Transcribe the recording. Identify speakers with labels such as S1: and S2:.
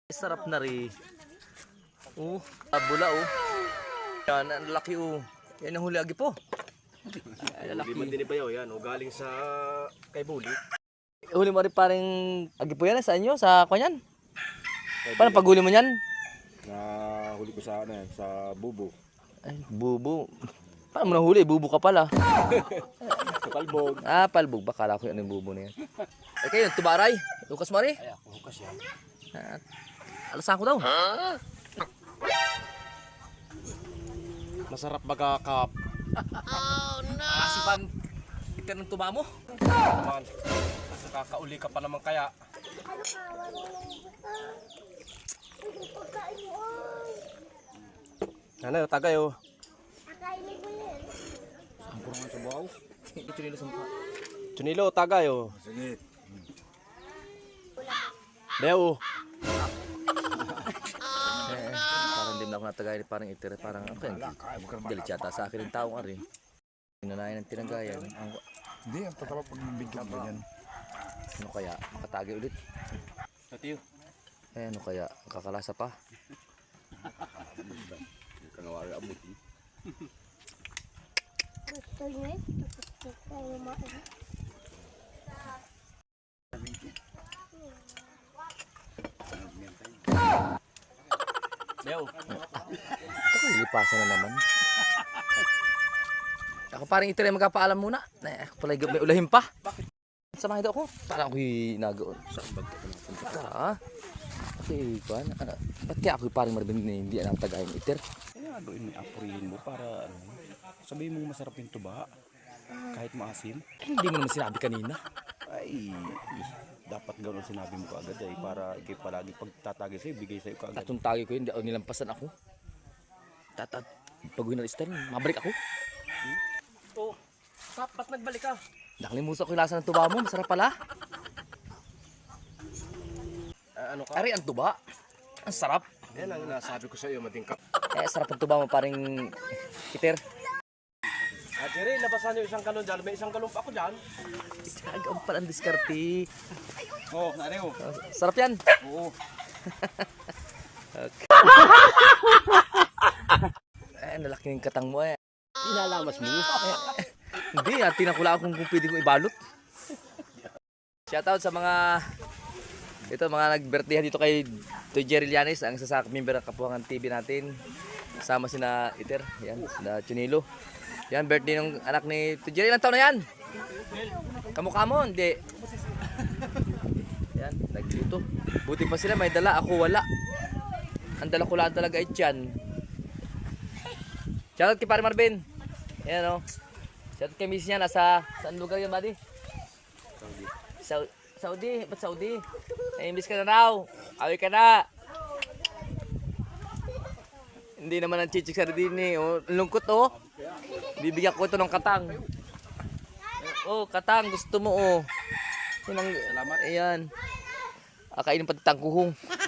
S1: Sarap na rin. Bula Yan, ang laki Yan ang huli agi po. Ay, lalaki.
S2: Hindi man din ibayaw yan, galing sa kay Buli.
S1: Huli mo rin parang agi po yan, sa inyo, sa kanyan. Paano paghuli mo yan?
S2: Huli ko sa sa bubo.
S1: Ay, bubo. Paano mo nahuli? Bubo ka pala.
S2: Sa palbog.
S1: Palbog. Bakala ko yan yung bubo na yan. Ay kayo, tubaray. Lukas mo rin.
S2: Ay, ako hukas yan.
S1: Alasan ko daw.
S2: Masarap magkakap.
S1: Oh no! Asipan. Ito ng tuba mo.
S2: Naman. Nakakauli ka pa naman kaya. Ano, tagay
S1: Sampuro nga sa buhaw. Hindi tunilo sa mukha.
S2: Tunilo, tagay
S3: Sige.
S2: Leo.
S1: Parang din ako natagay. Parang itir. Parang ako yan. Galit yata sa akin yung taong ari. Pinanayan ng tinagayan.
S3: Hindi, ang tatapag pag nabigyan ba yan?
S1: Ano kaya? Makatagay ulit.
S2: Tatiyo.
S1: Ano kaya? Kakalasa pa.
S2: Kanawari abot. Leo.
S1: Ito ko ilipasan na naman. Ako parang itir magpapaalam muna. Ako pala may ulahin pa. Samahin daw ako. Parang ako'y nagaon.
S2: Saan ba ito napunta?
S1: Tara. Okay, kuhan. Ba't kaya ako'y parang marabing na hindi ang tagay ng itir?
S4: Kaya gawin mo, apurihin mo para sabihin mo masarap yung tuba kahit maasim.
S1: Hindi mo naman sinabi kanina.
S4: Ay, dapat gano'n sinabi mo kaagad para ikay palagi pagtatagay sa'yo, bigay sa'yo kaagad.
S1: Tatong tagay ko yun, hindi ako nilampasan ako. Pag winalistan, mabalik ako.
S2: Dapat nagbalik ka.
S1: Nakalimutan ko yung lasa ng tuba mo, masarap pala.
S2: Ano ka?
S1: Ari, ang tuba. Ang sarap.
S2: Yan ang nasabi ko sa iyo, matingkap.
S1: Sarap ang tuba mo, paring itir.
S2: Jerry, labasan niyo isang galon dyan. May isang galon pa ako dyan.
S1: Agaw pala ang diskarte.
S4: Oo, nari ko.
S1: Sarap yan.
S4: Oo.
S1: Nalaki yung katang mo
S2: Inalamas mo.
S1: Hindi, tinakula akong kung pwede kong ibalot. Shoutout sa mga nag-birthday dito kay Toy Jerry Llanes, ang member ng Kapuhangan TV natin. Kasama sina Iter, yan, na Chunilo. Yan, birthday ng anak ni Toy Jerry. Ilang taon na yan? Kamukha mo, hindi. Yan, nagluto. Buti pa sila, may dala. Ako wala. Ang dala ko lang talaga ay tiyan. Shoutout kay Pare Marvin. Yan Shoutout kay Miss niya. Nasa, saan lugar yun, buddy? Saudi. Ba't Saudi? Na-English ka na raw. Awi ka na. Hindi naman ang chichik sa din lungkot Bibigyan ko ito ng katang. Katang. Gusto mo Salamat. Ayan. Akainin pati tangkuhong.